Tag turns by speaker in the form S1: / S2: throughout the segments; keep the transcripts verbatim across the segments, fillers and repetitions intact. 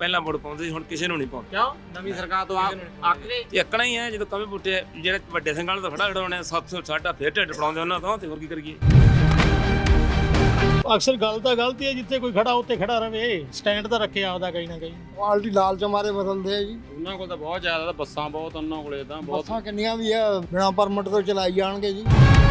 S1: ਪਹਿਲਾਂ ਵੋਟ ਪਾਉਂਦੇ ਸੀ, ਹੁਣ ਕਿਸੇ ਨੂੰ ਨਹੀਂ ਪਾਉਂਦੇ।
S2: ਕਿਉਂ ਨਵੀਂ ਸਰਕਾਰ ਤੋਂ ਅੱਕ ਗਏ?
S1: ਇੱਕਣਾ ਹੀ ਹੈ, ਜਦੋਂ ਕਮੇ ਬੁੱਟੇ ਜਿਹੜੇ ਵੱਡੇ ਸਿੰਘਾਂ ਨੂੰ ਤਾਂ ਖੜਾ ਖੜਾਉਣੇ ਸੱਤ ਸੌ ਸਾਡਾ ਫੇਰ ਢਿੱਡ ਪੜਾਉਂਦੇ ਉਹਨਾਂ ਤੋਂ, ਤੇ ਹੋਰ ਕੀ ਕਰੀਏ।
S3: ਅਕਸਰ ਗੱਲ ਤਾਂ ਗਲਤੀ ਹੈ, ਜਿੱਥੇ ਕੋਈ ਖੜਾ ਉੱਥੇ ਖੜਾ ਰਵੇ, ਸਟੈਂਡ ਤਾਂ ਰੱਖੇ ਆਪਦਾ ਕहीं ਨਾ ਕहीं।
S4: ਪਾਰਟੀ ਲਾਲਚ ਮਾਰੇ ਬਦਲਦੇ ਆ ਜੀ।
S2: ਉਹਨਾਂ ਕੋਲ ਤਾਂ ਬਹੁਤ ਜ਼ਿਆਦਾ ਤਾਂ ਬੱਸਾਂ ਬਹੁਤ ਉਹਨਾਂ ਕੋਲੇ ਤਾਂ ਬਹੁਤ
S4: ਬੱਸਾਂ ਕਿੰਨੀਆਂ ਵੀ ਆ ਬਿਨਾਂ ਪਰਮਿਟ ਤੋਂ ਚਲਾਈ ਜਾਣਗੇ ਜੀ।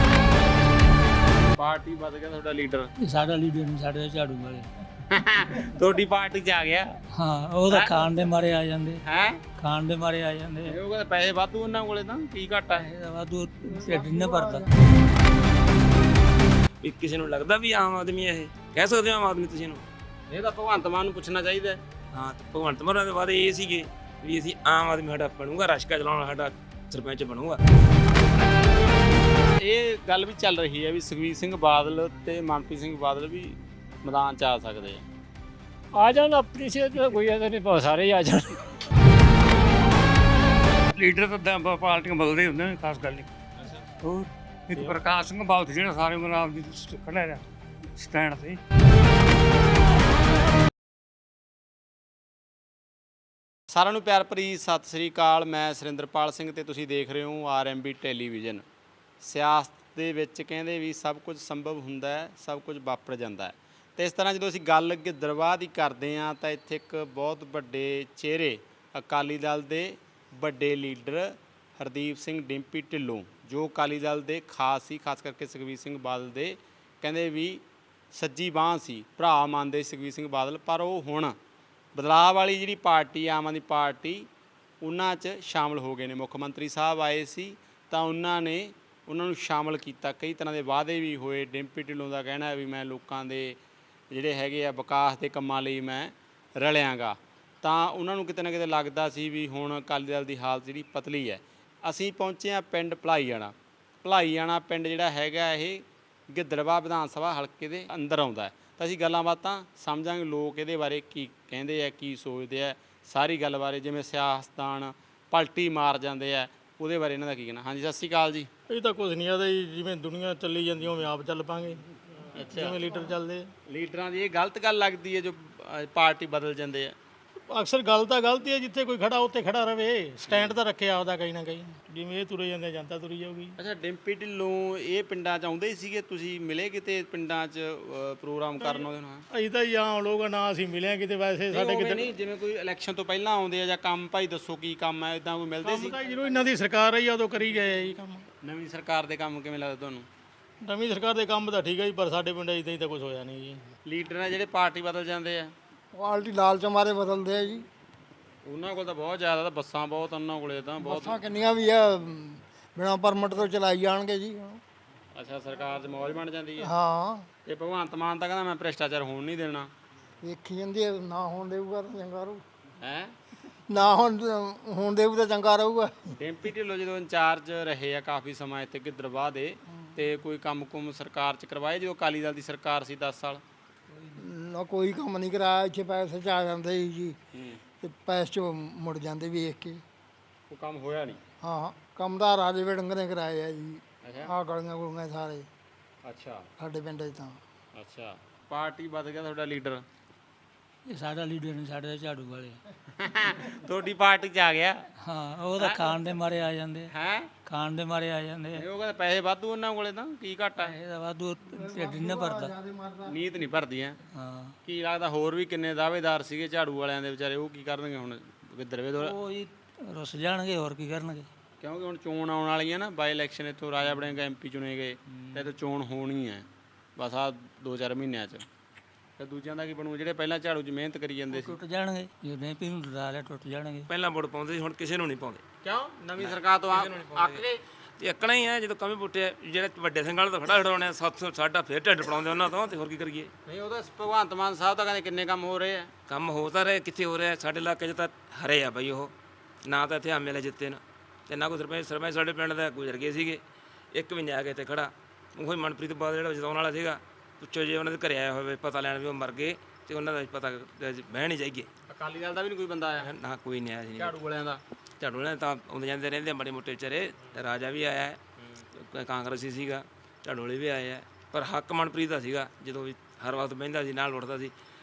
S2: ਪਾਰਟੀ ਵੱਧ ਗਿਆ ਤੁਹਾਡਾ ਲੀਡਰ।
S5: ਸਾਡਾ ਲੀਡਰ ਨਹੀਂ, ਸਾਡੇ ਝਾੜੂ ਵਾਲੇ।
S2: ਤੁਹਾਡੀ ਪਾਰਟੀ 'ਚ ਆ ਗਿਆ
S5: ਹਾਂ, ਉਹ ਤਾਂ ਖਾਣ ਦੇ ਮਾਰੇ ਆ ਜਾਂਦੇ,
S2: ਹੈ
S5: ਖਾਣ ਦੇ ਮਾਰੇ ਆ ਜਾਂਦੇ।
S2: ਉਹ ਕਹਿੰਦੇ ਪੈਸੇ ਵਾਧੂ ਉਹਨਾਂ ਕੋਲੇ ਤਾਂ ਕੀ ਘਾਟਾ ਹੈ।
S5: ਇਹਦਾ ਵਾਧੂ ਢਿੱਡ ਨਹੀਂ ਭਰਦਾ।
S1: ਵੀ ਕਿਸੇ ਨੂੰ ਲੱਗਦਾ ਵੀ ਆਮ ਆਦਮੀ ਇਹ ਕਹਿ ਸਕਦੇ ਹੋ ਆਮ ਆਦਮੀ ਤੁਸੀਂ ਇਹਨੂੰ?
S2: ਇਹ ਤਾਂ ਭਗਵੰਤ ਮਾਨ ਨੂੰ ਪੁੱਛਣਾ ਚਾਹੀਦਾ।
S1: ਹਾਂ, ਤੇ ਭਗਵੰਤ ਮਾਨ ਦੇ ਵਾਅਦੇ ਇਹ ਸੀਗੇ ਵੀ ਅਸੀਂ ਆਮ ਆਦਮੀ ਸਾਡਾ ਬਣੂਗਾ, ਰਸ਼ਕਾ ਚਲਾਉਣ ਵਾਲਾ ਸਾਡਾ ਸਰਪੰਚ ਬਣੂਗਾ।
S2: ਇਹ ਗੱਲ ਵੀ ਚੱਲ ਰਹੀ ਹੈ ਵੀ ਸੁਖਬੀਰ ਸਿੰਘ ਬਾਦਲ ਤੇ ਮਨਪ੍ਰੀਤ ਸਿੰਘ ਬਾਦਲ ਵੀ ਮੈਦਾਨ 'ਚ ਆ ਸਕਦੇ ਆ।
S6: ਆ ਜਾਣ, ਆਪਣੀ ਸਿਹਤ ਦਾ ਕੋਈ ਐਸਾ ਨਹੀਂ, ਬਹੁਤ ਸਾਰੇ ਹੀ ਆ ਜਾਣ।
S7: ਲੀਡਰ ਤਾਂ ਪਾਰਟੀਆਂ ਬਦਲਦੇ ਹੁੰਦੇ ਨੇ, ਖਾਸ ਗੱਲ ਨਹੀਂ। ਹੋਰ ਇੱਕ ਪ੍ਰਕਾਸ਼ ਸਿੰਘ ਬਾਦਲ ਜਿਹੜਾ ਸਾਰੇ ਮਨਾਬ ਦੀ ਖੜਾ ਰਿਹਾ ਸਟੈਂਡ ਤੇ।
S2: ਸਾਰਿਆਂ ਨੂੰ ਪਿਆਰ ਭਰੀ ਸਤਿ ਸ੍ਰੀ ਅਕਾਲ। ਮੈਂ ਸੁਰਿੰਦਰਪਾਲ ਸਿੰਘ ਤੇ ਤੁਸੀਂ ਦੇਖ ਰਹੇ ਹੋ ਆਰ ਐਮ ਬੀ ਟੈਲੀਵਿਜ਼ਨ। ਸਿਆਸਤ ਦੇ ਵਿੱਚ ਕਹਿੰਦੇ ਵੀ ਸਭ ਕੁਝ ਸੰਭਵ ਹੁੰਦਾ ਹੈ, ਸਭ ਕੁਝ ਵਾਪਰ ਜਾਂਦਾ ਹੈ। ਤੇ ਇਸ ਤਰ੍ਹਾਂ ਜਦੋਂ ਅਸੀਂ ਗੱਲ ਗਿੱਦੜਬਾਹ ਦੀ ਕਰਦੇ ਹਾਂ ਤਾਂ ਇੱਥੇ ਇੱਕ ਬਹੁਤ ਵੱਡੇ ਚਿਹਰੇ ਅਕਾਲੀ ਦਲ ਦੇ ਵੱਡੇ ਲੀਡਰ ਹਰਦੀਪ ਸਿੰਘ ਡਿੰਪੀ ਢਿੱਲੋਂ, ਜੋ ਅਕਾਲੀ ਦਲ ਦੇ ਖਾਸ ਸੀ, ਖਾਸ ਕਰਕੇ ਸੁਖਬੀਰ ਸਿੰਘ ਬਾਦਲ ਦੇ ਕਹਿੰਦੇ ਵੀ ਸੱਜੀ ਬਾਂਹ ਸੀ, ਭਰਾ ਮੰਨਦੇ ਸੁਖਬੀਰ ਸਿੰਘ ਬਾਦਲ। ਪਰ ਉਹ ਹੁਣ ਬਦਲਾਅ ਵਾਲੀ ਜਿਹੜੀ ਪਾਰਟੀ ਆਮ ਆਦਮੀ ਪਾਰਟੀ ਉਹਨਾਂ 'ਚ ਸ਼ਾਮਲ ਹੋ ਗਏ ਨੇ। ਮੁੱਖ ਮੰਤਰੀ ਸਾਹਿਬ ਆਏ ਸੀ ਤਾਂ ਉਹਨਾਂ ਨੇ ਉਹਨਾਂ ਨੂੰ ਸ਼ਾਮਲ ਕੀਤਾ, ਕਈ ਤਰ੍ਹਾਂ ਦੇ ਵਾਅਦੇ ਵੀ ਹੋਏ। ਡਿੰਪੀ ਢਿੱਲੋਂ ਦਾ ਕਹਿਣਾ ਹੈ ਵੀ ਮੈਂ ਲੋਕਾਂ ਦੇ ਜਿਹੜੇ ਹੈਗੇ ਆ ਵਿਕਾਸ ਦੇ ਕੰਮਾਂ ਲਈ ਮੈਂ ਰਲਿਆਂਗਾ। ਤਾਂ ਉਹਨਾਂ ਨੂੰ ਕਿਤੇ ਨਾ ਕਿਤੇ ਲੱਗਦਾ ਸੀ ਵੀ ਹੁਣ ਅਕਾਲੀ ਦਲ ਦੀ ਹਾਲਤ ਜਿਹੜੀ ਪਤਲੀ ਹੈ। ਅਸੀਂ ਪਹੁੰਚੇ ਹਾਂ ਪਿੰਡ ਭਲਾਈਆਣਾ। ਭਲਾਈਆਣਾ ਪਿੰਡ ਜਿਹੜਾ ਹੈਗਾ ਇਹ ਗਿੱਦੜਬਾਹ ਵਿਧਾਨ ਸਭਾ ਹਲਕੇ ਦੇ ਅੰਦਰ ਆਉਂਦਾ ਹੈ। ਤਾਂ ਅਸੀਂ ਗੱਲਾਂ ਬਾਤਾਂ ਸਮਝਾਂਗੇ ਲੋਕ ਇਹਦੇ ਬਾਰੇ ਕੀ ਕਹਿੰਦੇ ਆ, ਕੀ ਸੋਚਦੇ ਆ, ਸਾਰੀ ਗੱਲ ਬਾਰੇ। ਜਿਵੇਂ ਸਿਆਸਤਦਾਨ ਪਲਟੀ ਮਾਰ ਜਾਂਦੇ ਆ, ਉਹਦੇ ਬਾਰੇ ਇਹਨਾਂ ਦਾ ਕੀ ਕਹਿਣਾ। ਹਾਂਜੀ, ਸਤਿ ਸ਼੍ਰੀ ਅਕਾਲ ਜੀ।
S3: ਇਹ ਤਾਂ ਕੁਝ ਨਹੀਂ ਆਦਾ ਜੀ, ਜਿਵੇਂ ਦੁਨੀਆ ਚੱਲੀ ਜਾਂਦੀ ਉਵੇਂ ਆਪ ਚੱਲ ਪਾਂਗੇ। ਜਿਵੇਂ ਲੀਡਰ ਚੱਲਦੇ।
S2: ਲੀਡਰਾਂ ਦੀ ਇਹ ਗਲਤ ਗੱਲ ਲੱਗਦੀ ਹੈ ਜੋ ਅ, ਪਾਰਟੀ ਬਦਲ ਜਾਂਦੇ ਆ।
S3: ਅਕਸਰ ਗੱਲ ਤਾਂ ਗਲਤੀ ਹੈ, ਜਿੱਥੇ ਕੋਈ ਖੜਾ ਉੱਥੇ ਖੜਾ ਰਵੇ, ਸਟੈਂਡ ਤਾਂ ਰੱਖੇ ਆਪਦਾ ਕहीं ਨਾ ਕहीं। ਜਿਵੇਂ ਇਹ ਤੁਰੇ ਜਾਂਦੇ ਜਨਤਾ ਤੁਰੀ ਜਾਊਗੀ।
S2: ਅੱਛਾ, ਡਿੰਪੀ ਢਿੱਲੋਂ ਇਹ ਪਿੰਡਾਂ 'ਚ ਆਉਂਦੇ ਹੀ ਸੀਗੇ, ਤੁਸੀਂ ਮਿਲੇ ਕਿਤੇ ਪਿੰਡਾਂ 'ਚ ਅ, ਪ੍ਰੋਗਰਾਮ ਕਰਨ ਉਹਦੇ ਨਾਲ?
S3: ਅਸੀਂ ਤਾਂ ਜੀ ਆਮ ਲੋਕ ਆ, ਨਾ ਅਸੀਂ ਮਿਲਿਆ ਕਿਤੇ। ਵੈਸੇ ਸਾਡੇ
S2: ਸਾਡੇ
S3: ਕਿਤੇ
S2: ਨਹੀਂ, ਜਿਵੇਂ ਕੋਈ ਇਲੈਕਸ਼ਨ ਤੋਂ ਪਹਿਲਾਂ ਆਉਂਦੇ ਆ ਜਾਂ ਕੰਮ ਭਾਈ ਦੱਸੋ ਕੀ ਕੰਮ ਹੈ, ਇਦਾਂ ਕੋਈ ਮਿਲਦੇ ਸੀ?
S3: ਕੰਮ ਤਾਂ ਜਦੋਂ ਇਹਨਾਂ ਦੀ ਸਰਕਾਰ ਰਹੀ ਆ ਉਦੋਂ ਕਰੀ ਗਏ ਆ ਜੀ ਕੰਮ।
S2: ਨਵੀਂ ਸਰਕਾਰ ਦੇ ਕੰਮ ਕਿਵੇਂ ਲੱਗਦਾ ਤੁਹਾਨੂੰ?
S3: ਨਵੀਂ ਸਰਕਾਰ ਦੇ ਕੰਮ ਤਾਂ ਠੀਕ ਹੈ ਜੀ, ਪਰ ਸਾਡੇ ਪਿੰਡ ਇਦਾਂ ਹੀ ਤਾਂ ਕੁਝ ਹੋਇਆ ਨਹੀਂ ਜੀ।
S2: ਲੀਡਰ ਨੇ ਜਿਹੜੇ ਪਾਰਟੀ ਬਦਲ ਜਾਂਦੇ ਆ,
S4: ਪਾਰਟੀ ਲਾਲਚ ਮਾਰੇ ਬਦਲਦੇ ਆ ਜੀ।
S2: ਉਹਨਾਂ ਕੋਲ ਤਾਂ ਬਹੁਤ ਜ਼ਿਆਦਾ ਤਾਂ ਬੱਸਾਂ ਬਹੁਤ ਉਹਨਾਂ ਕੋਲੇ ਤਾਂ ਬਹੁਤ।
S4: ਬੱਸਾਂ ਕਿੰਨੀਆਂ ਵੀ ਆ ਬਿਨਾਂ ਪਰਮਿਟ ਤੋਂ ਚਲਾਈ ਜਾਣਗੇ ਜੀ।
S2: ਅੱਛਾ, ਸਰਕਾਰ 'ਚ ਮੌਜ ਬਣ ਜਾਂਦੀ ਹੈ।
S4: ਹਾਂ,
S2: ਤੇ ਭਗਵੰਤ ਮਾਨ ਤਾਂ ਕਹਿੰਦਾ ਮੈਂ ਭ੍ਰਿਸ਼ਟਾਚਾਰ ਹੋਣ ਨਹੀਂ ਦੇਣਾ।
S4: ਵੇਖੀ ਜਾਂਦੀ ਆ, ਨਾ ਹੋਣ ਦੇਊਗਾ ਤਾਂ ਚੰਗਾ ਰਹੂ,
S2: ਹੈ
S4: ਨਾ ਹੋਣ ਹੋਣ ਦੇਊ ਤਾਂ ਚੰਗਾ ਰਹੂਗਾ।
S2: ਡਿੰਪੀ ਢਿੱਲੋਂ ਜਦੋਂ ਇੰਚਾਰਜ ਰਹੇ ਆ ਕਾਫੀ ਸਮਾਂ ਇੱਥੇ ਗਿੱਦੜਬਾਹ ਦੇ, ਤੇ ਕੋਈ ਕੰਮ ਕੁਮ ਸਰਕਾਰ 'ਚ ਕਰਵਾਏ ਜਦੋਂ ਅਕਾਲੀ ਦਲ ਦੀ ਸਰਕਾਰ ਸੀ ਦਸ ਸਾਲ?
S4: ਨਾ ਕੋਈ ਕੰਮ ਨਹੀਂ ਕਰਾਇਆ। ਇੱਥੇ ਪੈਸੇ ਚ ਆ ਜਾਂਦੇ ਸੀ ਜੀ, ਤੇ ਪੈਸੇ ਚ ਮੁੜ ਜਾਂਦੇ ਵੇਖ ਕੇ।
S2: ਉਹ ਕੰਮ ਹੋਇਆ ਨਹੀਂ?
S4: ਹਾਂ, ਕੰਮ ਤਾਂ ਰਾਜੇ ਵੜਿੰਗ ਨੇ ਕਰਾਏ ਆ ਜੀ।
S2: ਅੱਛਾ
S4: ਆਹ ਗਲੀਆਂ ਗੁਲੀਆਂ ਸਾਰੇ
S2: ਅੱਛਾ
S4: ਸਾਡੇ ਪਿੰਡ 'ਚ ਤਾਂ।
S2: ਅੱਛਾ, ਪਾਰਟੀ ਵੱਧ ਗਿਆ ਤੁਹਾਡਾ ਲੀਡਰ।
S5: ਇਹ ਸਾਡਾ ਲੀਡਰ ਨਹੀਂ, ਸਾਡੇ ਝਾੜੂ ਵਾਲੇ।
S2: ਤੁਹਾਡੀ ਪਾਰਟੀ 'ਚ ਆ ਗਿਆ?
S5: ਹਾਂ, ਉਹ ਤਾਂ ਖਾਣ ਦੇ ਮਾਰੇ ਆ ਜਾਂਦੇ,
S2: ਹੈ
S5: ਖਾਣ ਦੇ ਮਾਰੇ ਆ ਜਾਂਦੇ।
S2: ਉਹ ਕਹਿੰਦੇ ਪੈਸੇ ਵਾਧੂ ਉਹਨਾਂ ਕੋਲੇ ਤਾਂ ਕੀ ਘਾਟਾ ਹੈ।
S5: ਇਹਦਾ ਵਾਧੂ ਢਿੱਡ ਨਹੀਂ ਭਰਦਾ।
S2: ਨੀਤ ਨਹੀਂ ਭਰਦੀ ਹੈ।
S5: ਹਾਂ,
S2: ਕੀ ਲੱਗਦਾ ਹੋਰ ਵੀ ਕਿੰਨੇ ਦਾਅਵੇਦਾਰ ਸੀਗੇ ਝਾੜੂ ਵਾਲਿਆਂ ਦੇ ਵਿਚਾਰੇ, ਉਹ ਕੀ ਕਰਨਗੇ ਹੁਣ ਗਿੱਦੜਵੇ ਤੋਂ?
S5: ਉਹ ਹੀ ਰੁੱਸ ਜਾਣਗੇ, ਹੋਰ ਕੀ ਕਰਨਗੇ।
S2: ਕਿਉਂਕਿ ਹੁਣ ਚੋਣ ਆਉਣ ਵਾਲੀ ਹੈ ਨਾ, ਬਾਈ ਇਲੈਕਸ਼ਨ ਇੱਥੋਂ ਰਾਜਾ ਵੜਿੰਗ ਐਮ ਪੀ ਚੁਣੇ ਗਏ ਤੇ ਇੱਥੋਂ ਚੋਣ ਹੋਣੀ ਹੈ ਬਸ ਆ ਦੋ ਚਾਰ ਮਹੀਨਿਆਂ 'ਚ। ਤੇ ਦੂਜਿਆਂ ਦਾ ਕੀ ਬਣੂ ਜਿਹੜੇ ਪਹਿਲਾਂ ਝਾੜੂ 'ਚ ਮਿਹਨਤ ਕਰੀ ਜਾਂਦੇ ਸੀ?
S5: ਟੁੱਟ ਜਾਣਗੇ, ਜੇ ਨਹੀਂ ਪੀ ਨੂੰ ਡਰਾ ਲਿਆ ਟੁੱਟ ਜਾਣਗੇ।
S1: ਪਹਿਲਾਂ ਵੋਟ ਪਾਉਂਦੇ ਸੀ, ਹੁਣ ਕਿਸੇ ਨੂੰ ਨਹੀਂ ਪਾਉਂਦੇ।
S2: ਕਿਉਂ ਨਵੀਂ ਸਰਕਾਰ ਤੋਂ ਅੱਕ ਗਏ?
S1: ਤੇ ਇੱਕਣਾ ਹੀ ਹੈ, ਜਦੋਂ ਕਮੇ ਬੁੱਟੇ ਜਿਹੜੇ ਵੱਡੇ ਸਿੰਘਾਂ ਨੂੰ ਤਾਂ ਖੜਾ ਖੜਾਉਣੇ ਸੱਤ ਸੌ ਸਾਡਾ ਫੇਰ ਢਿੱਡ ਪੜਾਉਂਦੇ ਉਹਨਾਂ ਤੋਂ, ਤੇ ਹੋਰ ਕੀ ਕਰੀਏ।
S2: ਨਹੀਂ, ਉਹਦਾ ਭਗਵੰਤ ਮਾਨ ਸਾਹਿਬ ਤਾਂ ਕਹਿੰਦੇ ਕਿੰਨੇ ਕੰਮ ਹੋ ਰਹੇ ਆ।
S1: ਕੰਮ ਹੋ ਤਾਂ ਰਹੇ, ਕਿੱਥੇ ਹੋ ਰਿਹਾ? ਸਾਡੇ ਇਲਾਕੇ 'ਚ ਤਾਂ ਹਰੇ ਆ ਬਈ ਉਹ, ਨਾ ਤਾਂ ਇੱਥੇ ਐਮ ਐਲ ਏ ਜਿੱਤੇ ਨਾ, ਤੇ ਨਾ ਕੋਈ ਸਰਪੰਚ। ਸਰਪੰਚ ਸਾਡੇ ਪਿੰਡ ਦਾ ਗੁਜ਼ਰ ਗਏ ਸੀਗੇ, ਇੱਕ ਵੀ ਨਹੀਂ ਆ ਕੇ ਇੱਥੇ ਖੜਾ। ਉਹੀ ਮਨਪ੍ਰੀਤ ਬਾਦਲ ਜਿਹੜਾ ਜਿਤਾਉਣ ਵਾਲਾ ਸੀਗਾ, ਪੁੱਛੋ ਜੇ ਉਹਨਾਂ ਦੇ ਘਰੇ ਆਇਆ ਹੋਵੇ ਪਤਾ ਲੈਣ ਵੀ ਉਹ ਮਰ ਗਏ, ਤੇ ਉਹਨਾਂ ਦਾ ਪਤਾ ਬਹਿ ਨਹੀਂ ਜਾਈਏ।
S2: ਅਕਾਲੀ ਦਲ ਦਾ ਵੀ ਨਹੀਂ ਕੋਈ ਬੰਦਾ ਆਇਆ?
S1: ਨਾ ਕੋਈ ਨਹੀਂ ਆਇਆ ਸੀ।
S2: ਝਾੜੂ ਵਾਲਿਆਂ ਦਾ?
S1: ਝਾੜੂ ਵਾਲਿਆਂ ਤਾਂ ਆਉਂਦੇ ਜਾਂਦੇ ਰਹਿੰਦੇ ਆ ਮਾੜੇ ਮੋਟੇ ਵਿਚਾਰੇ। ਰਾਜਾ ਵੀ ਆਇਆ ਹੈ, ਕਾਂਗਰਸੀ ਸੀਗਾ, ਝਾੜੂ ਵਾਲੇ ਵੀ ਆਏ ਆ, ਪਰ ਹੱਕ ਮਨਪ੍ਰੀਤ ਦਾ ਸੀਗਾ। ਜਦੋਂ ਵੀ ਹਰ ਵਕਤ ਬਹਿੰਦਾ ਸੀ, ਨਾਲ ਉੱਠਦਾ ਸੀ।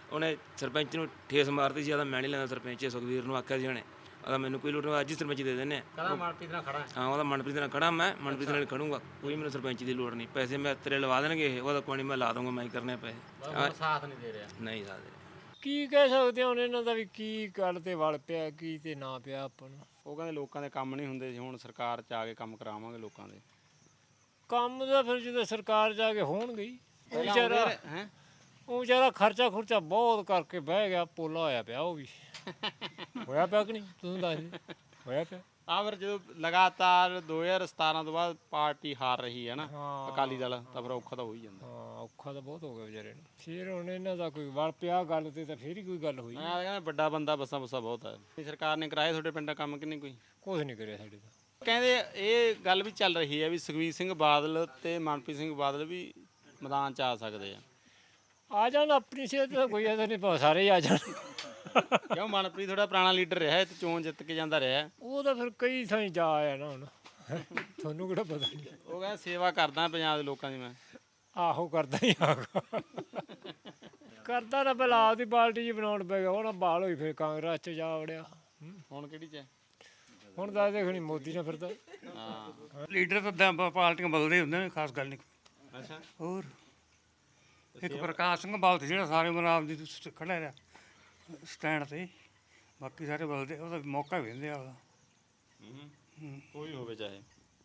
S1: ਉਹਨੇ ਸਰਪੰਚ ਨੂੰ ਠੇਸ ਮਾਰਤੀ ਸੀ, ਆਦਾ ਮੈਂ ਨਹੀਂ ਲੈਂਦਾ ਸਰਪੰਚ ਸੁਖਵੀਰ ਨੂੰ ਆਖਿਆ ਸੀ ਉਹਨੇ, ਆਦਾ ਮੈਨੂੰ ਕੋਈ ਲੋੜ ਨਹੀਂ, ਅੱਜ ਹੀ ਸਰਪੰਚ ਦੇ ਦਿੰਦੇ ਆ।
S2: ਕਹਿੰਦਾ ਮਨਪ੍ਰੀਤ ਨਾਲ ਖੜਾ
S1: ਹਾਂ ਉਹਦਾ ਮਨਪ੍ਰੀਤ ਨਾਲ ਖੜਾ, ਮੈਂ ਮਨਪ੍ਰੀਤ ਨਾਲ ਖੜੂੰਗਾ, ਕੋਈ ਮੈਨੂੰ ਸਰਪੰਚ ਦੀ ਲੋੜ ਨਹੀਂ, ਪੈਸੇ ਮੈਂ ਤੇਰੇ ਲਵਾ ਦੇਣਗੇ ਇਹ, ਉਹਦਾ ਕੋਈ ਨਹੀਂ ਮੈਂ ਲਾ ਦੂੰਗਾ, ਮੈਂ ਹੀ ਕਰਨੇ ਪੈਸੇ।
S2: ਹੈ ਸਾਥ ਨਹੀਂ ਦੇ ਰਿਹਾ।
S1: ਨਹੀਂ ਸਕਦੇ।
S6: ਕੀ ਕਹਿ ਸਕਦੇ ਹਾਂ ਹੁਣ ਇਹਨਾਂ ਦਾ ਵੀ ਕੀ ਗੱਲ ਤੇ ਵਲ ਪਿਆ ਕੀ ਤੇ ਨਾ ਪਿਆ ਆਪਾਂ ਨੂੰ।
S2: ਉਹ ਕਹਿੰਦੇ ਲੋਕਾਂ ਦੇ ਕੰਮ ਨਹੀਂ ਹੁੰਦੇ ਸੀ, ਹੁਣ ਸਰਕਾਰ 'ਚ ਆ ਕੇ ਕੰਮ ਕਰਾਵਾਂਗੇ ਲੋਕਾਂ ਦੇ।
S6: ਕੰਮ ਦਾ ਫਿਰ ਜਦੋਂ ਸਰਕਾਰ ਜਾ ਕੇ ਹੋਣਗੇ ਹੀ। ਉਹ ਵਿਚਾਰਾ
S2: ਹੈ
S6: ਉਹ ਵਿਚਾਰਾ ਖਰਚਾ ਖੁਰਚਾ ਬਹੁਤ ਕਰਕੇ ਬਹਿ ਗਿਆ, ਪੋਲਾ ਹੋਇਆ ਪਿਆ ਉਹ ਵੀ। ਹੋਇਆ ਪਿਆ ਕਿ ਨਹੀਂ ਤੂੰ ਦੱਸ ਦੇ, ਹੋਇਆ ਪਿਆ।
S2: ਆ ਫਿਰ ਜਦੋਂ ਲਗਾਤਾਰ ਦੋ ਹਜ਼ਾਰ ਸਤਾਰਾਂ ਤੋਂ ਬਾਅਦ ਪਾਰਟੀ ਹਾਰ ਰਹੀ ਹੈ ਨਾ
S6: ਹਾਂ।
S2: ਅਕਾਲੀ ਦਲ, ਤਾਂ ਫਿਰ ਔਖਾ ਤਾਂ ਹੋ ਹੀ ਜਾਂਦਾ।
S6: ਹਾਂ ਔਖਾ ਤਾਂ ਬਹੁਤ ਹੋ ਗਿਆ ਵਿਚਾਰੇ ਨੂੰ। ਫਿਰ ਹੁਣ ਇਹਨਾਂ ਦਾ ਕੋਈ ਵਲ ਪਿਆ ਗੱਲ ਤੇ ਤਾਂ ਫਿਰ ਹੀ ਕੋਈ ਗੱਲ ਹੋਈ।
S2: ਮੈਂ ਤਾਂ ਕਹਿੰਦਾ ਵੱਡਾ ਬੰਦਾ ਬੱਸਾਂ ਬੁੱਸਾਂ ਬਹੁਤ ਹੈ। ਸਰਕਾਰ ਨੇ ਕਰਾਏ ਤੁਹਾਡੇ ਪਿੰਡਾਂ ਕੰਮ ਕਿ ਨਹੀਂ ਕੋਈ?
S6: ਕੁਛ ਨਹੀਂ ਕਰਿਆ ਸਾਡੇ ਦਾ।
S2: ਕਹਿੰਦੇ ਇਹ ਗੱਲ ਵੀ ਚੱਲ ਰਹੀ ਹੈ ਵੀ ਸੁਖਬੀਰ ਸਿੰਘ ਬਾਦਲ ਤੇ ਮਨਪ੍ਰੀਤ ਸਿੰਘ ਬਾਦਲ ਵੀ ਮੈਦਾਨ 'ਚ ਆ ਸਕਦੇ ਆ।
S6: ਆ ਜਾਣ ਆਪਣੀ ਸਿਹਤ ਦਾ ਕੋਈ ਐਸਾ ਨਹੀਂ, ਸਾਰੇ ਹੀ ਆ ਜਾਣ।
S2: ਕਿਉਂ? ਮਨਪ੍ਰੀਤ ਥੋੜਾ ਪੁਰਾਣਾ ਲੀਡਰ ਰਿਹਾ ਤੇ ਚੋਣ ਜਿੱਤ ਕੇ ਜਾਂਦਾ ਰਿਹਾ।
S6: ਉਹ ਤਾਂ ਫਿਰ ਕਈ ਥਾਂ ਜਾ ਆਇਆ ਨਾ ਹੁਣ, ਤੁਹਾਨੂੰ ਕਿਹੜਾ ਪਤਾ ਨਹੀਂ।
S2: ਉਹ ਕਹਿੰਦਾ ਸੇਵਾ ਕਰਦਾ ਪੰਜਾਬ ਦੇ ਲੋਕਾਂ ਦੀ ਮੈਂ।
S6: ਆਹੋ ਕਰਦਾ ਹੀ ਆਗਾ ਕਰਦਾ ਨਾ, ਪਹਿਲਾਂ ਆਪਦੀ ਪਾਰਟੀ ਜੀ ਬਣਾਉਣ ਪੈ ਗਿਆ, ਹੁਣ ਬਾਲ ਹੋਈ ਫਿਰ ਕਾਂਗਰਸ 'ਚ ਜਾ ਵੜਿਆ।
S2: ਹੁਣ ਕਿਹੜੀ 'ਚ ਹੈ?
S6: ਹੁਣ ਤਾਂ ਦੇਖ ਨਹੀਂ ਮੋਦੀ ਨਾਲ ਫਿਰਦਾ।
S2: ਹਾਂ
S7: ਲੀਡਰ ਤਾਂ ਦ- ਪਾਰਟੀਆਂ ਬਦਲਦੇ ਹੁੰਦੇ ਨੇ, ਖਾਸ ਗੱਲ ਨਹੀਂ।
S2: ਅੱਛਾ।
S7: ਹੋਰ ਇੱਕ ਪ੍ਰਕਾਸ਼ ਸਿੰਘ ਬਾਦਲ ਜਿਹੜਾ ਸਾਰੇ ਮਨਾਬ ਦੀ ਸ- ਖੜਾ ਰਿਹਾ ਸਟੈਂਡ ਤੇ, ਬਾਕੀ ਸਾਰੇ ਬਦਲਦੇ, ਉਹਦਾ ਮੌਕਾ ਵੀ ਦਿੰਦੇ ਆ ਉਹਦਾ।
S2: ਕੋਈ ਹੋਵੇ ਚਾਹੇ।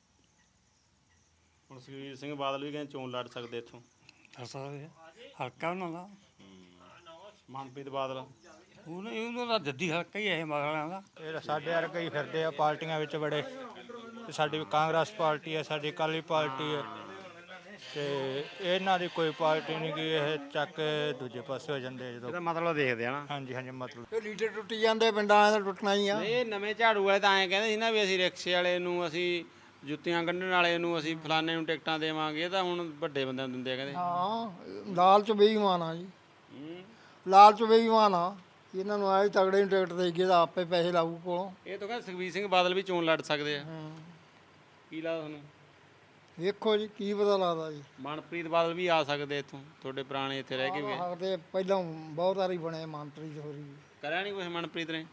S2: ਹੁਣ ਸੁਖਬੀਰ ਸਿੰਘ ਬਾਦਲ ਵੀ ਕਹਿੰਦੇ ਚੋਣ ਲੜ ਸਕਦੇ ਇੱਥੋਂ।
S7: ਕਰ ਸਕਦੇ ਆ, ਹਲਕਾ ਉਹਨਾਂ ਦਾ।
S2: ਮਨਪ੍ਰੀਤ ਬਾਦਲ
S7: ਉਹਨਾਂ ਉਹਨਾਂ ਦਾ ਜੱਦੀ ਹਲਕਾ ਹੀ ਹੈ ਇਹ ਮਗਰਾਂ ਦਾ।
S8: ਇਹ ਸਾਡੇ ਵਰਗੇ ਹੀ ਫਿਰਦੇ ਆ ਪਾਰਟੀਆਂ ਵਿੱਚ ਬੜੇ, ਤੇ ਸਾਡੀ ਕਾਂਗਰਸ ਪਾਰਟੀ ਹੈ, ਸਾਡੀ ਅਕਾਲੀ ਪਾਰਟੀ ਹੈ, ਤੇ ਇਹਨਾਂ ਦੀ ਕੋਈ ਪਾਰਟੀ ਨਹੀਂ ਕਿ ਇਹ ਚੱਕ ਕੇ ਦੂਜੇ ਪਾਸੇ ਹੋ ਜਾਂਦੇ ਜਦੋਂ।
S2: ਇਹਦਾ ਮਤਲਬ ਦੇਖਦੇ ਆ ਨਾ।
S8: ਹਾਂਜੀ ਹਾਂਜੀ ਮਤਲਬ
S4: ਇਹ ਲੀਡਰ ਟੁੱਟ ਜਾਂਦੇ ਪਿੰਡਾਂ ਵਾਲਿਆਂ ਦਾ ਟੁੱਟਣਾ ਹੀ ਆ।
S2: ਇਹ ਨਵੇਂ ਝਾੜੂ ਵਾਲੇ ਤਾਂ ਐਂ ਕਹਿੰਦੇ ਸੀ ਨਾ ਵੀ ਅਸੀਂ ਰਿਕਸ਼ੇ ਵਾਲੇ ਨੂੰ, ਅਸੀਂ ਜੁੱਤੀਆਂ ਕੱਢਣ ਵਾਲੇ ਨੂੰ, ਅਸੀਂ ਫਲਾਣੇ ਨੂੰ ਟਿਕਟਾਂ ਦੇਵਾਂਗੇ। ਇਹ ਤਾਂ ਹੁਣ ਵੱਡੇ ਬੰਦਿਆਂ ਨੂੰ ਦਿੰਦੇ ਆ ਕਹਿੰਦੇ।
S4: ਹਾਂ ਲਾਲਚ ਬੇਈਮਾਨ ਆ ਜੀ, ਲਾਲਚ ਬੇਈਮਾਨ ਆ। ਇਹਨਾਂ ਨੂੰ ਆਏ ਤਗੜੇ ਨੂੰ ਟਿਕਟ ਦੇ ਕੇ ਤਾਂ ਆਪੇ ਪੈਸੇ ਲਾਊ ਕੋਲੋਂ।
S2: ਇਹ ਤਾਂ ਕਹਿੰਦੇ ਸੁਖਬੀਰ ਸਿੰਘ ਬਾਦਲ ਵੀ ਚੋਣ ਲੜ ਸਕਦੇ ਆ। ਕੀ ਲੱਗਦਾ ਤੁਹਾਨੂੰ?
S4: ਵੇਖੋ ਜੀ ਕੀ ਪਤਾ ਲੱਗਦਾ ਜੀ।
S2: ਮਨਪ੍ਰੀਤ ਬਾਦਲ ਵੀ ਆ ਸਕਦੇ ਇੱਥੋਂ, ਤੁਹਾਡੇ ਪੁਰਾਣੇ ਇੱਥੇ ਰਹਿ ਕੇ ਵੀ।
S4: ਸਕਦੇ ਪਹਿਲਾਂ ਬਹੁਤ ਵਾਰੀ ਬਣੇ ਮੰਤਰੀ ਹੋਰੀ,
S2: ਕਰਿਆ ਨਹੀਂ ਕੁਛ ਮਨਪ੍ਰੀਤ ਨੇ?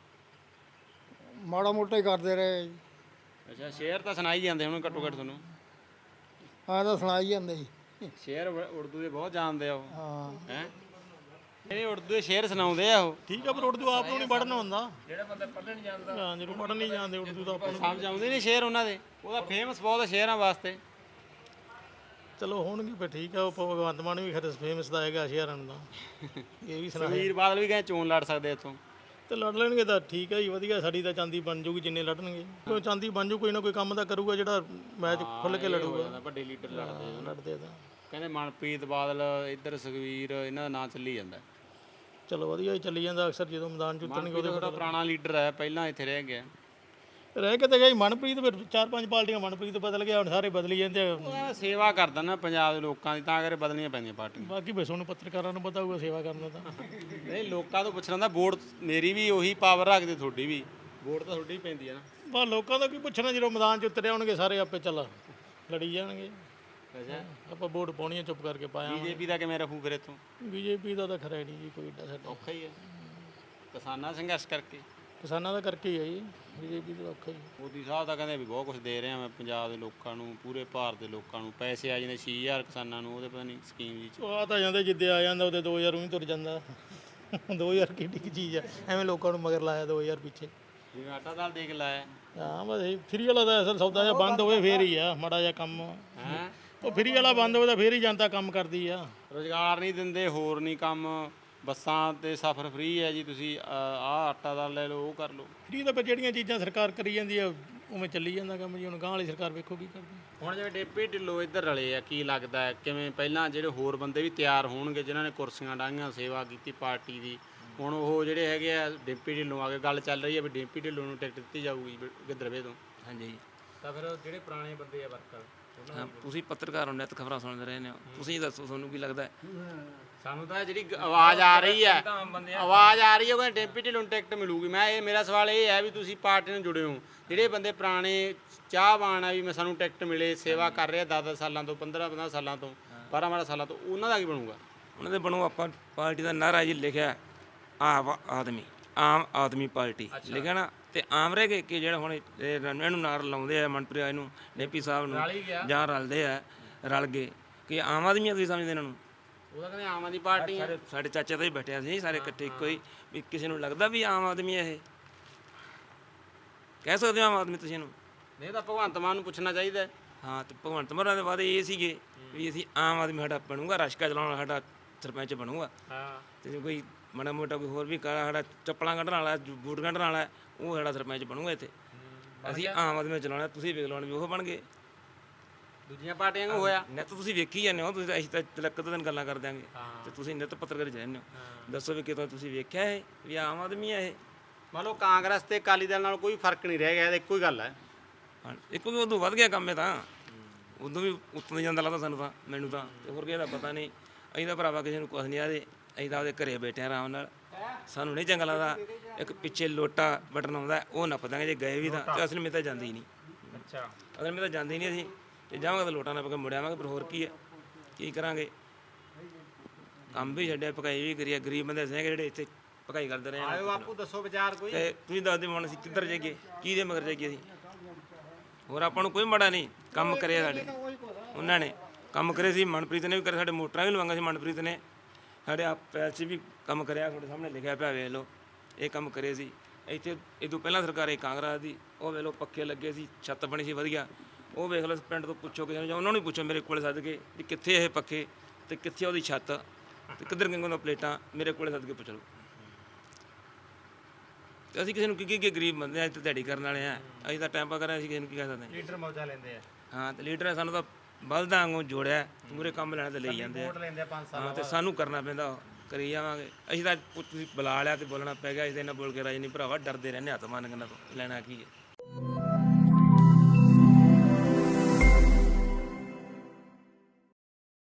S4: ਮਾੜਾ ਮੋਟਾ ਹੀ ਕਰਦੇ ਰਹੇ ਜੀ।
S2: ਅੱਛਾ, ਸ਼ੇਰ ਤਾਂ ਸੁਣਾਈ ਜਾਂਦੇ ਹੁਣ ਘੱਟੋ ਘੱਟ ਤੁਹਾਨੂੰ।
S4: ਹਾਂ ਤਾਂ ਸੁਣਾਈ ਜਾਂਦੇ ਜੀ।
S2: ਸ਼ੇਰ ਉਰਦੂ ਦੇ ਬਹੁਤ ਜਾਣਦੇ ਆ ਉਹ।
S4: ਹਾਂ
S2: ਹੈ ਇਹ ਉਰਦੂ ਦੇ ਸ਼ੇਰ ਸੁਣਾਉਂਦੇ ਆ ਉਹ।
S3: ਠੀਕ ਆ, ਪਰ ਉਰਦੂ ਆਪ ਨੂੰ ਨਹੀਂ ਪੜ੍ਹਨਾ ਹੁੰਦਾ। ਜਿਹੜਾ ਬੰਦਾ ਪੜ੍ਹਨ ਨਹੀਂ ਜਾਣਦਾ, ਹਾਂ ਜਿਹਨੂੰ ਪੜ੍ਹਨ ਨਹੀਂ ਜਾਣਦੇ ਉਰਦੂ ਤਾਂ ਆਪਾਂ ਨੂੰ
S2: ਸਮਝ ਆਉਂਦੇ ਨਹੀਂ ਸ਼ੇਰ ਉਹਨਾਂ ਦੇ। ਉਹਦਾ ਫੇਮਸ ਬਹੁਤ ਸ਼ੇਰਾਂ ਵਾਸਤੇ।
S3: ਚਲੋ ਹੋਣਗੇ ਫਿਰ ਠੀਕ ਆ। ਉਹ ਭਗਵੰਤ ਮਾਨ ਵੀ ਖਰੇ ਫੇਮਸ ਦਾ ਹੈਗਾ ਸ਼ਹਿਰਾਂ ਦਾ, ਇਹ ਵੀ ਸੁਣਾ
S2: ਸੁਖਬੀਰ ਬਾਦਲ ਵੀ ਕਹਿੰਦੇ ਚੋਣ ਲੜ ਸਕਦੇ ਇੱਥੋਂ।
S3: ਤੇ ਲੜ ਲੈਣਗੇ ਤਾਂ ਠੀਕ ਹੈ ਜੀ, ਵਧੀਆ। ਸਾਡੀ ਤਾਂ ਚਾਂਦੀ ਬਣ ਜੂਗੀ ਜਿੰਨੇ ਲੜਨਗੇ। ਕੋਈ ਚਾਂਦੀ ਬਣ ਜੂ, ਕੋਈ ਨਾ ਕੋਈ ਕੰਮ ਤਾਂ ਕਰੂਗਾ ਜਿਹੜਾ ਮੈਚ ਖੁੱਲ ਕੇ ਲੜੂਗਾ।
S2: ਵੱਡੇ ਲੀਡਰ ਲੜਦੇ ਆ।
S3: ਲੜਦੇ ਤਾਂ
S2: ਕਹਿੰਦੇ ਮਨਪ੍ਰੀਤ ਬਾਦਲ, ਇੱਧਰ ਸੁਖਬੀਰ, ਇਹਨਾਂ ਦਾ ਨਾਂ ਚੱਲੀ ਜਾਂਦਾ।
S3: ਚਲੋ ਵਧੀਆ ਹੀ ਚੱਲੀ ਜਾਂਦਾ। ਅਕਸਰ ਜਦੋਂ ਮੈਦਾਨ ਚ ਉਤਰਨਗੇ
S2: ਮਨਪ੍ਰੀਤ ਥੋੜਾ ਪੁਰਾਣਾ ਲੀਡਰ ਹੈ, ਪਹਿਲਾਂ ਇੱਥੇ ਰਹਿ ਗਿਆ।
S3: ਰਹਿ ਕੇ ਤਾਂ ਗਈ ਮਨਪ੍ਰੀਤ, ਫਿਰ ਚਾਰ ਪੰਜ ਪਾਰਟੀਆਂ ਮਨਪ੍ਰੀਤ ਬਦਲ ਗਿਆ, ਹੁਣ ਸਾਰੇ ਬਦਲੀ ਜਾਂਦੇ ਆ।
S2: ਉਹ ਕਹਿੰਦਾ ਸੇਵਾ ਕਰਦਾ ਨਾ ਪੰਜਾਬ ਦੇ ਲੋਕਾਂ ਦੀ, ਤਾਂ ਕਰਕੇ ਬਦਲਣੀਆਂ ਪੈਂਦੀਆਂ ਪਾਰਟੀਆਂ।
S3: ਬਾਕੀ ਬਸ ਉਹਨੂੰ ਪੱਤਰਕਾਰਾਂ ਨੂੰ ਪਤਾ ਹੋਊਗਾ ਸੇਵਾ ਕਰਨ ਦਾ ਤਾਂ।
S2: ਨਹੀਂ, ਲੋਕਾਂ ਤੋਂ ਪੁੱਛਣਾ ਦਾ ਵੋਟ ਮੇਰੀ ਵੀ ਉਹੀ ਪਾਵਰ ਰੱਖਦੇ, ਤੁਹਾਡੀ ਵੀ ਵੋਟ ਤਾਂ ਤੁਹਾਡੀ ਹੀ ਪੈਂਦੀ ਹੈ ਨਾ।
S3: ਬਸ ਲੋਕਾਂ ਦਾ ਕੀ ਪੁੱਛਣਾ, ਜਦੋਂ ਮੈਦਾਨ 'ਚ ਉਤਰੇ ਆਉਣਗੇ ਸਾਰੇ ਆਪੇ ਚੱਲ ਲੜੀ ਜਾਣਗੇ।
S2: ਅੱਛਾ,
S3: ਆਪਾਂ ਵੋਟ ਪਾਉਣੀ ਆ, ਚੁੱਪ ਕਰਕੇ ਪਾਇਆ।
S2: ਬੀਜੇਪੀ ਦਾ ਕਿਵੇਂ ਰੱਖੂ ਫਿਰ ਇੱਥੋਂ?
S3: ਬੀਜੇਪੀ ਦਾ ਤਾਂ ਖਰਾ ਹੀ ਨਹੀਂ ਜੀ ਕੋਈ ਏਡਾ ਸਾਡਾ।
S2: ਔਖਾ ਹੀ ਹੈ ਕਿਸਾਨਾਂ ਸੰਘਰਸ਼ ਕਰਕੇ।
S3: ਕਿਸਾਨਾਂ ਦਾ ਕਰਕੇ ਹੀ ਆ ਜੀ, ਬੀਜੇਪੀ ਦਾ ਔਖਾ ਹੀ।
S2: ਮੋਦੀ ਸਾਹਿਬ ਤਾਂ ਕਹਿੰਦੇ ਵੀ ਬਹੁਤ ਕੁਝ ਦੇ ਰਿਹਾ ਮੈਂ ਪੰਜਾਬ ਦੇ ਲੋਕਾਂ ਨੂੰ, ਪੂਰੇ ਭਾਰਤ ਦੇ ਲੋਕਾਂ ਨੂੰ। ਪੈਸੇ ਆ ਜਾਂਦੇ ਛੇ ਹਜ਼ਾਰ ਕਿਸਾਨਾਂ ਨੂੰ, ਉਹਦੇ ਪਤਾ ਨਹੀਂ ਸਕੀਮ ਜੀ 'ਚ।
S3: ਉਹ ਆ ਤਾਂ ਜਾਂਦੇ ਜਿੱਦੇ ਆ ਜਾਂਦਾ ਉਹਦੇ ਦੋ ਹਜ਼ਾਰ ਉਹੀ ਤੁਰ ਜਾਂਦਾ। ਦੋ ਹਜ਼ਾਰ ਕਿੱਡੀ ਕੁ ਚੀਜ਼ ਆ, ਐਵੇਂ ਲੋਕਾਂ ਨੂੰ ਮਗਰ ਲਾਇਆ ਦੋ ਹਜ਼ਾਰ ਪਿੱਛੇ।
S2: ਜਿਵੇਂ ਆਟਾ ਦਾਲ ਦੇ ਕੇ ਲਾਇਆ।
S3: ਹਾਂ ਬਸ ਇਹ ਫਰੀ ਵਾਲਾ ਤਾਂ ਅਸਲ ਸੌਦਾ ਜਿਹਾ ਬੰਦ ਹੋਵੇ ਫੇਰ ਹੀ ਆ ਮਾੜਾ ਜਿਹਾ ਕੰਮ।
S2: ਹੈਂ
S3: ਉਹ ਫਰੀ ਵਾਲਾ ਬੰਦ ਹੋਵੇ ਤਾਂ ਫੇਰ ਹੀ ਜਨਤਾ ਕੰਮ ਕਰਦੀ ਆ।
S2: ਰੁਜ਼ਗਾਰ ਨਹੀਂ ਦਿੰਦੇ, ਹੋਰ ਨਹੀਂ ਕੰਮ। ਬੱਸਾਂ ਤੇ ਸਫ਼ਰ ਫ੍ਰੀ ਹੈ ਜੀ, ਤੁਸੀਂ ਆਹ ਆਟਾ ਦਾਲ ਲੈ ਲਓ, ਉਹ ਕਰ ਲਓ।
S3: ਫਰੀ ਤਾਂ ਫਿਰ ਜਿਹੜੀਆਂ ਚੀਜ਼ਾਂ ਸਰਕਾਰ ਕਰੀ ਜਾਂਦੀ ਆ ਉਵੇਂ ਚੱਲੀ ਜਾਂਦਾ ਕੰਮ ਜੀ। ਹੁਣ ਗਾਂ ਵਾਲੀ ਸਰਕਾਰ ਵੇਖੋ ਕੀ ਕਰਦੀ।
S2: ਹੁਣ ਜਿਵੇਂ ਡੇਪੀ ਢਿੱਲੋਂ ਇੱਧਰ ਰਲੇ ਆ, ਕੀ ਲੱਗਦਾ ਹੈ ਕਿਵੇਂ ਪਹਿਲਾਂ ਜਿਹੜੇ ਹੋਰ ਬੰਦੇ ਵੀ ਤਿਆਰ ਹੋਣਗੇ ਜਿਨ੍ਹਾਂ ਨੇ ਕੁਰਸੀਆਂ ਡਾਹੀਆਂ, ਸੇਵਾ ਕੀਤੀ ਪਾਰਟੀ ਦੀ, ਹੁਣ ਉਹ ਜਿਹੜੇ ਹੈਗੇ ਆ ਡੇਪੀ ਢਿੱਲੋਂ ਆ ਕੇ ਗੱਲ ਚੱਲ ਰਹੀ ਹੈ ਵੀ ਡੇਪੀ ਢਿੱਲੋਂ ਨੂੰ ਟਿਕਟ ਦਿੱਤੀ ਜਾਊਗੀ ਗਿੱਦੜਵੇ ਤੋਂ।
S1: ਹਾਂਜੀ
S2: ਤਾਂ ਫਿਰ ਜਿਹੜੇ ਪੁਰਾਣੇ ਬੰਦੇ ਆ ਵਰਕਰ,
S1: ਹਾਂ, ਤੁਸੀਂ ਪੱਤਰਕਾਰ ਹੋ, ਨਿੱਤ ਖਬਰਾਂ ਸੁਣਦੇ ਰਹੇ ਨੇ, ਤੁਸੀਂ ਦੱਸੋ ਤੁਹਾਨੂੰ ਕੀ ਲੱਗਦਾ ਹੈ?
S2: ਸਾਨੂੰ ਤਾਂ ਜਿਹੜੀ ਗ- ਆਵਾਜ਼ ਆ ਰਹੀ ਹੈ, ਆਵਾਜ਼ ਆ ਰਹੀ ਹੈ ਉਹ ਕਹਿੰਦੇ ਡੇਪੀ ਢਿੱਲੋਂ ਨੂੰ ਟਿਕਟ ਮਿਲੂਗੀ। ਮੈਂ ਇਹ ਮੇਰਾ ਸਵਾਲ ਇਹ ਹੈ ਵੀ ਤੁਸੀਂ ਪਾਰਟੀ ਨਾਲ ਜੁੜੇ ਹੋ, ਜਿਹੜੇ ਬੰਦੇ ਪੁਰਾਣੇ ਚਾਹਵਾਨ ਆ ਵੀ ਮੈਂ ਸਾਨੂੰ ਟਿਕਟ ਮਿਲੇ, ਸੇਵਾ ਕਰ ਰਹੇ ਦਸ ਦਸ ਸਾਲਾਂ ਤੋਂ, ਪੰਦਰਾਂ ਪੰਦਰਾਂ ਸਾਲਾਂ ਤੋਂ, ਬਾਰਾਂ ਬਾਰਾਂ ਸਾਲਾਂ ਤੋਂ, ਉਹਨਾਂ ਦਾ ਕੀ ਬਣੂਗਾ?
S1: ਉਹਨਾਂ ਦੇ ਬਣੋ ਆਪਾਂ ਪਾਰਟੀ ਦਾ ਨਾਅਰਾ ਜੀ ਲਿਖਿਆ ਆਮ ਆਦਮੀ ਆਮ ਆਦਮੀ ਪਾਰਟੀ ਲਿਖਿਆ ਨਾ, ਤੇ ਆਮ ਰਹਿ ਗਏ ਕਿ ਜਿਹੜਾ ਹੁਣ ਇਹ ਇਹਨੂੰ ਨਾਰ ਲਾਉਂਦੇ ਆ ਮਨਪ੍ਰੀਤ ਇਹਨੂੰ ਡੇਪੀ ਸਾਹਿਬ ਨੂੰ ਜਾਂ ਰਲਦੇ ਆ ਰਲ ਗਏ ਕਿ ਆਮ ਆਦਮੀ ਆ, ਤੁਸੀਂ ਸਮਝਦੇ ਇਹਨਾਂ ਨੂੰ?
S2: ਉਹਦਾ ਕਹਿੰਦੇ ਆਮ ਆਦਮੀ ਪਾਰਟੀ ਹੈ।
S1: ਸਾਡੇ ਸਾਡੇ ਚਾਚੇ ਤਾਂ ਹੀ ਬੈਠਿਆ ਸੀ ਸਾਰੇ ਇਕੱਠੇ ਇੱਕੋ ਹੀ, ਵੀ ਕਿਸੇ ਨੂੰ ਲੱਗਦਾ ਵੀ ਆਮ ਆਦਮੀ ਇਹ ਕਹਿ ਸਕਦੇ ਹੋ ਆਮ ਆਦਮੀ ਤੁਸੀਂ ਇਹਨੂੰ?
S2: ਨਹੀਂ ਤਾਂ ਭਗਵੰਤ ਮਾਨ ਨੂੰ ਪੁੱਛਣਾ ਚਾਹੀਦਾ ਹੈ।
S1: ਹਾਂ, ਤੇ ਭਗਵੰਤ ਮਾਨ ਦੇ ਵਾਅਦੇ ਇਹ ਸੀਗੇ ਵੀ ਅਸੀਂ ਆਮ ਆਦਮੀ ਸਾਡਾ ਬਣੂਗਾ, ਰਸ਼ਕਾ ਚਲਾਉਣ ਵਾਲਾ ਸਾਡਾ ਸਰਪੰਚ ਬਣੂਗਾ।
S2: ਹਾਂ
S1: ਤੇ ਜੇ ਕੋਈ ਮਾੜਾ ਮੋਟਾ ਕੋਈ ਹੋਰ ਵੀ ਕਾਲਾ ਸਾਡਾ ਚੱਪਲਾਂ ਕੱਢਣ ਵਾਲਾ ਬੂਟ ਕੱਢਣ ਵਾਲਾ ਉਹ ਸਾਡਾ ਸਰਪੰਚ ਬਣੂਗਾ ਇੱਥੇ। ਅਸੀਂ ਆਮ ਆਦਮੀ ਨੂੰ ਚਲਾਉਣਾ, ਤੁਸੀਂ ਵੇਖ ਲਓ ਵੀ ਉਹ ਬਣ ਗਏ।
S2: ਦੂਜੀਆਂ ਪਾਰਟੀਆਂ ਨੂੰ ਹੋਇਆ
S1: ਨਿੱਤ ਤੁਸੀਂ ਵੇਖੀ ਜਾਂਦੇ ਹੋ, ਤੁਸੀਂ ਅਸੀਂ ਤਾਂ ਤਿਲਕ ਦਿਨ ਗੱਲਾਂ ਕਰ ਦਿਆਂਗੇ ਤੇ ਤੁਸੀਂ ਨਿੱਤ ਪੱਤਰਕਾਰ ਜਾਂਦੇ ਹੋ। ਦੱਸੋ ਵੀ ਕਿਤੋਂ ਤੁਸੀਂ ਵੇਖਿਆ ਇਹ ਵੀ ਆਮ ਆਦਮੀ ਹੈ ਇਹ?
S2: ਮੰਨ ਲਓ ਕਾਂਗਰਸ ਤੇ ਅਕਾਲੀ ਦਲ ਨਾਲ ਕੋਈ ਫਰਕ ਨਹੀਂ ਰਹਿ ਗਿਆ, ਇਹ ਇੱਕੋ ਹੀ ਗੱਲ ਹੈ।
S1: ਹਾਂ, ਇੱਕ ਵੀ ਉਦੋਂ ਵੱਧ ਗਿਆ ਕੰਮ ਇਹ ਤਾਂ, ਉਦੋਂ ਵੀ ਉੱਤੋਂ ਦੀ ਜਾਂਦਾ ਲੱਗਦਾ ਸਾਨੂੰ ਤਾਂ, ਮੈਨੂੰ ਤਾਂ ਤੇ ਹੋਰ ਕਿਸੇ ਦਾ ਪਤਾ ਨਹੀਂ। ਅਸੀਂ ਤਾਂ ਭਰਾਵਾ ਕਿਸੇ ਨੂੰ ਕੁਛ ਨਹੀਂ ਆਦੇ, ਅਸੀਂ ਤਾਂ ਆਪਦੇ ਘਰੇ ਬੈਠੇ ਆਰਾਮ ਨਾਲ, ਸਾਨੂੰ ਨਹੀਂ ਚੰਗਾ ਲੱਗਦਾ। ਇੱਕ ਪਿੱਛੇ ਲੋਟਾ ਬਟਨ ਆਉਂਦਾ ਉਹ ਨੱਪ ਦਾਂਗੇ ਜੇ ਗਏ ਵੀ ਤਾਂ, ਤੇ ਅਸਲ ਵਿੱਚ ਤਾਂ ਜਾਂਦੀ ਹੀ ਨਹੀਂ।
S2: ਅੱਛਾ
S1: ਅਸਲ ਵਿੱਚ ਤਾਂ ਜਾਂਦੀ ਨਹੀਂ ਅਸੀਂ, ਤੇ ਜਾਵਾਂਗੇ ਤਾਂ ਲੋਟਾ ਨੱਪ ਕੇ ਮੁੜ ਆਵਾਂਗੇ, ਪਰ ਹੋਰ ਕੀ ਹੈ, ਕੀ ਕਰਾਂਗੇ? ਕੰਮ ਵੀ ਛੱਡਿਆ, ਭਕਾਈ ਵੀ ਕਰੀਏ, ਗਰੀਬ ਬੰਦੇ ਸੀਗੇ ਜਿਹੜੇ ਇੱਥੇ ਭਕਾਈ ਕਰਦੇ ਰਹੇ
S2: ਆਇਓ ਬਾਪੂ ਦੱਸੋ ਵਿਚਾਰ ਕੋਈ।
S1: ਤੇ ਤੁਸੀਂ ਦੱਸਦੇ ਹੁਣ ਅਸੀਂ ਕਿੱਧਰ ਜਾਈਏ, ਕਿਹਦੇ ਮਗਰ ਜਾਈਏ ਅਸੀਂ? ਹੋਰ ਆਪਾਂ ਨੂੰ ਕੋਈ ਮਾੜਾ ਨਹੀਂ, ਕੰਮ ਕਰਿਆ ਸਾਡੇ ਉਹਨਾਂ ਨੇ, ਕੰਮ ਕਰੇ ਸੀ। ਮਨਪ੍ਰੀਤ ਨੇ ਵੀ ਕਰੇ, ਸਾਡੇ ਮੋਟਰਾਂ ਵੀ ਲਵਾਂਗਾ ਸੀ ਮਨਪ੍ਰੀਤ ਨੇ, ਸਾਡੇ ਆਪ ਪੈਲਸ ਵੀ ਕੰਮ ਕਰਿਆ, ਤੁਹਾਡੇ ਸਾਹਮਣੇ ਲਿਖਿਆ ਪਿਆ ਵੇਖ ਲਓ, ਇਹ ਕੰਮ ਕਰੇ ਸੀ। ਇੱਥੇ ਇਹ ਤੋਂ ਪਹਿਲਾਂ ਸਰਕਾਰ ਇਹ ਕਾਂਗਰਸ ਦੀ, ਉਹ ਵੇਖ ਲਓ ਪੱਖੇ ਲੱਗੇ ਸੀ, ਛੱਤ ਬਣੀ ਸੀ ਵਧੀਆ, ਉਹ ਵੇਖ ਲਓ ਪਿੰਡ ਤੋਂ ਪੁੱਛੋ ਕਿਸੇ ਨੂੰ, ਜਾਂ ਉਹਨਾਂ ਨੂੰ ਪੁੱਛੋ ਮੇਰੇ ਕੋਲ ਸੱਦ ਕੇ ਵੀ ਕਿੱਥੇ ਇਹ ਪੱਖੇ ਤੇ ਕਿੱਥੇ ਉਹਦੀ ਛੱਤ ਤੇ ਕਿੱਧਰ ਗੰਗੋਂ ਦਾ ਪਲੇਟਾਂ, ਮੇਰੇ ਕੋਲ ਸੱਦ ਕੇ ਪੁੱਛ ਲਓ। ਤੇ ਅਸੀਂ ਕਿਸੇ ਨੂੰ ਕੀ ਕੀ ਕੀ ਗਰੀਬ ਬੰਦੇ ਆ, ਇੱਥੇ ਦਿਹਾੜੀ ਕਰਨ ਵਾਲੇ ਆ, ਅਸੀਂ ਤਾਂ ਟਾਈਮ ਪਾ ਕਰ ਰਹੇ, ਅਸੀਂ ਕਿਸੇ ਨੂੰ ਕੀ ਕਹਿ ਸਕਦੇ ਹਾਂ?
S2: ਲੀਡਰ ਮੌਜਾ ਲੈਂਦੇ ਆ।
S1: ਹਾਂ, ਤੇ ਲੀਡਰ ਸਾਨੂੰ ਤਾਂ ਬਲਦਾਂ ਵਾਂਗੂ ਜੋੜਿਆ, ਮੂਰੇ ਕੰਮ ਲੈਣ ਤੇ ਲਈ ਜਾਂਦੇ ਆ।
S2: ਵੋਟ ਲੈਂਦੇ ਆ ਪੰਜ ਸਾਲ
S1: ਹਾਂ, ਤੇ ਸਾਨੂੰ ਕਰਨਾ ਪੈਂਦਾ, ਉਹ ਕਰੀ ਜਾਵਾਂਗੇ। ਅਸੀਂ ਤਾਂ ਤੁਸੀਂ ਬੁਲਾ ਲਿਆ ਤੇ ਬੋਲਣਾ ਪੈ ਗਿਆ, ਅਸੀਂ ਤਾਂ ਇਹਨਾਂ ਬੋਲ ਕੇ ਰਾਜੀ ਨਹੀਂ ਭਰਾਵਾ, ਡਰਦੇ ਰਹਿੰਦੇ ਹੱਥ ਮਾਰਨ ਤੋਂ, ਲੈਣਾ ਕੀ ਹੈ।